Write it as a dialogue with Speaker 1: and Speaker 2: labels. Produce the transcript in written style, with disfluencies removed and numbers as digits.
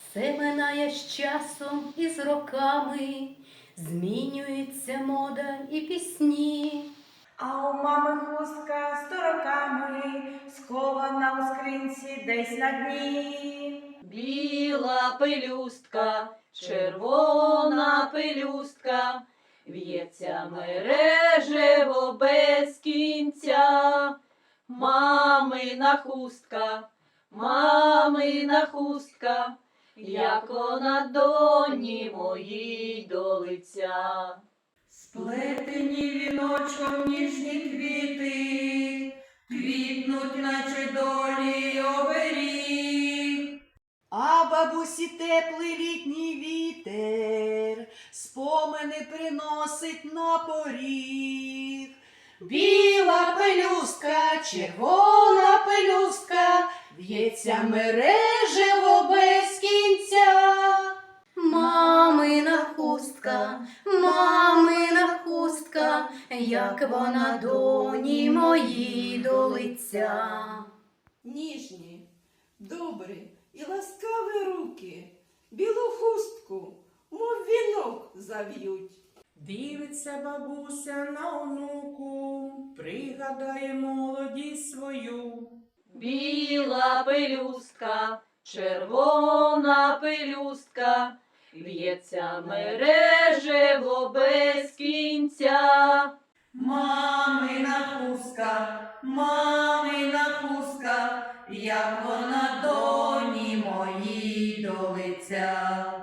Speaker 1: Все минає з часом і з роками, змінюється мода і пісні.
Speaker 2: А у мами хустка 100 роками, схована у скринці десь на дні.
Speaker 3: Біла пелюстка, червона пелюстка, в'ється мережево без кінця. Мамина хустка, як вона доні моїй до лиця.
Speaker 2: Сплетені віночком ніжні квіти, квітнуть, наче долі оберіг.
Speaker 4: А бабусі теплий літній вітер спомини приносить на поріг. Біла пелюстка, червона пелюстка, в'ється мережево без кінця.
Speaker 1: Мамина хустка, як вона доні моїй до лиця.
Speaker 5: Ніжні, добрі і ласкаві руки білу хустку, мов вінок, зав'ють.
Speaker 6: Дивиться бабуся на онуку, пригадає молодість свою.
Speaker 3: Біла пелюстка, червона пелюстка, в'ється мережево без кінця.
Speaker 2: Мамина хустка, як вона доні моїй до лиця.